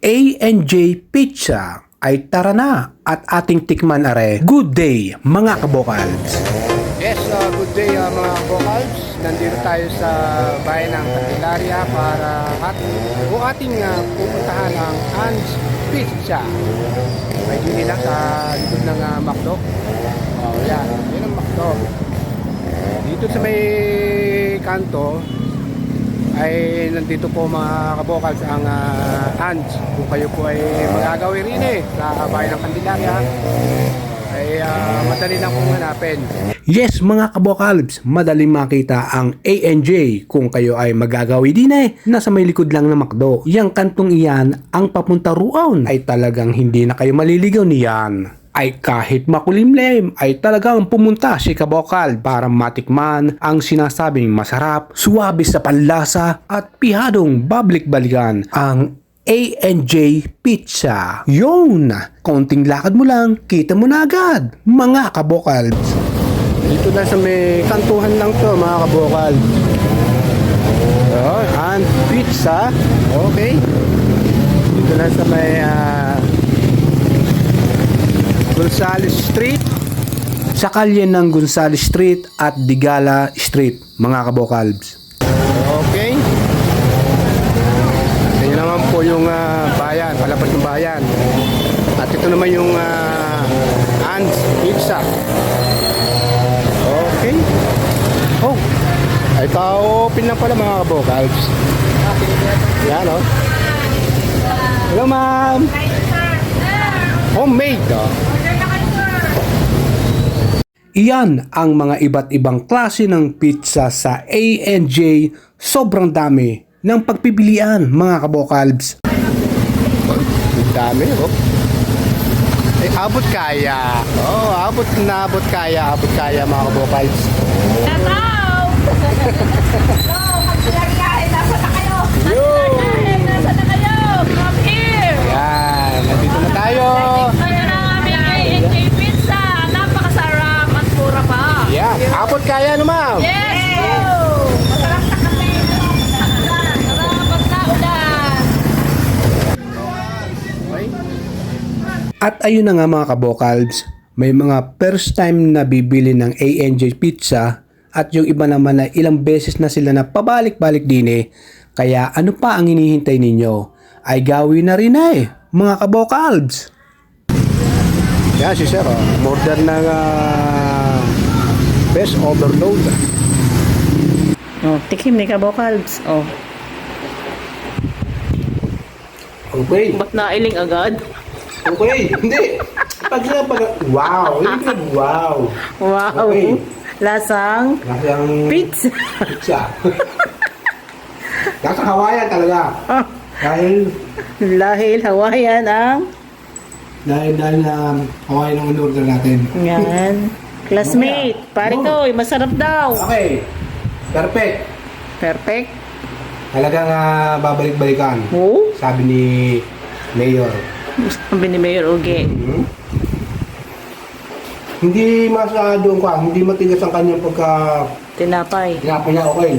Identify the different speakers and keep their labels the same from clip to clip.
Speaker 1: A&J Pizza ay tara na at ating tikman are. Good day mga kabokals!
Speaker 2: Yes, good day mga vocals. Nandito tayo sa bayan ng Candelaria para ating pupuntahan ang An's Pizza. Medyo din lang sa likod ng McDo. Oh, yan. Yan ang McDo. Dito sa may kanto ay nandito po mga kabokals ang An's. Kung kayo po ay magagawin rin sa bayan ng Candelaria ay madali lang pong hanapin.
Speaker 1: Yes mga kabokalbs, madaling makita ang A&J kung kayo ay magagawi din nasa may likod lang ng McDo. Yang kantong iyan, ang papunta roon ay talagang hindi na kayo maliligaw niyan. Ay kahit makulimlim ay talagang pumunta si kabokal para matikman ang sinasabing masarap, suwabe sa panlasa at pihadong babalik-balikan ang A&J Pizza. Yun! Konting lakad mo lang, kita mo na agad, mga kabokals.
Speaker 2: Dito na sa may kantuhan lang to mga kabokal. And pizza. Okay. Dito na sa may Gonzales Street.
Speaker 1: Sa kalye ng Gonzales Street at Digala Street, mga kabokalbs.
Speaker 2: Okay. Ito naman po yung bayan, palapag ng bayan. At ito naman yung An's Pizza. Okay. Oh, ay ka-open lang pala mga kabokals. Yan o. Hello ma'am. Homemade
Speaker 1: Iyan ang mga iba't ibang klase ng pizza sa A&J. Sobrang dami ng pagpipilian mga kabokalbs.
Speaker 2: Ang dami oh. Ay, abot kaya. Oh, abot kaya mga kabokals.
Speaker 3: Hello! Nasa na kayo? Nasa na kayo? Come here!
Speaker 2: Yan, nandito na tayo.
Speaker 3: Ayan ang aming A&J Pizza. Napakasarap at mura pa.
Speaker 2: Yeah, abot kaya no ma'am.
Speaker 3: Yes! Go! Masarap na kami. Sarap at naulan.
Speaker 2: Okay.
Speaker 1: At ayun na nga mga kabokalbs, may mga first time na bibili ng A&J Pizza at yung iba naman na ilang beses na sila na pabalik-balik din Kaya ano pa ang hinihintay ninyo? Ay gawin na rin mga kabokalbs.
Speaker 2: Yan si sir order ng best overload.
Speaker 3: Oh, tikim ni Kabokalbs. Oh,
Speaker 1: Okay.
Speaker 3: ba't nailing agad?
Speaker 1: Okay. Hindi. Wow. Wow.
Speaker 3: Wow!
Speaker 1: Okay.
Speaker 3: Lasang
Speaker 1: Lasang
Speaker 3: pizza.
Speaker 1: pizza. Lasang Hawaiian talaga.
Speaker 3: Oh,
Speaker 1: Dahil
Speaker 3: Hawaiian ang
Speaker 1: Hawaiian ang in-order natin.
Speaker 3: yan. Classmate, pare ko, masarap daw.
Speaker 1: Okay. Perfect.
Speaker 3: Perfect.
Speaker 1: Talagang babalik-balikan.
Speaker 3: Oh,
Speaker 1: Sabi ni Mayor.
Speaker 3: sabi ni Mayor Uge.
Speaker 1: Hindi masyadong hindi matigas ang kanyang
Speaker 3: Tinapay.
Speaker 1: tinapay niya, okay.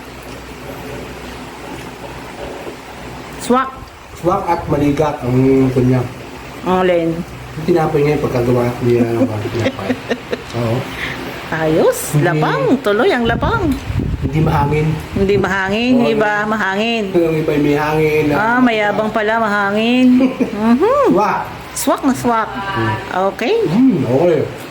Speaker 3: Swak.
Speaker 1: Swak at maligat ang kanya.
Speaker 3: Alin.
Speaker 1: Yung tinapay niya yung pagkagawa niya ng tinapay. Oo.
Speaker 3: Ayos.
Speaker 1: Hindi.
Speaker 3: Lapang. Tuloy ang lapang.
Speaker 1: Hindi mahangin.
Speaker 3: Hindi mahangin.
Speaker 1: Oo,
Speaker 3: Iba mahangin.
Speaker 1: Yung iba may hangin.
Speaker 3: Mayabang pala mahangin.
Speaker 1: Swak.
Speaker 3: Swak na swak. Okay.
Speaker 1: Okay.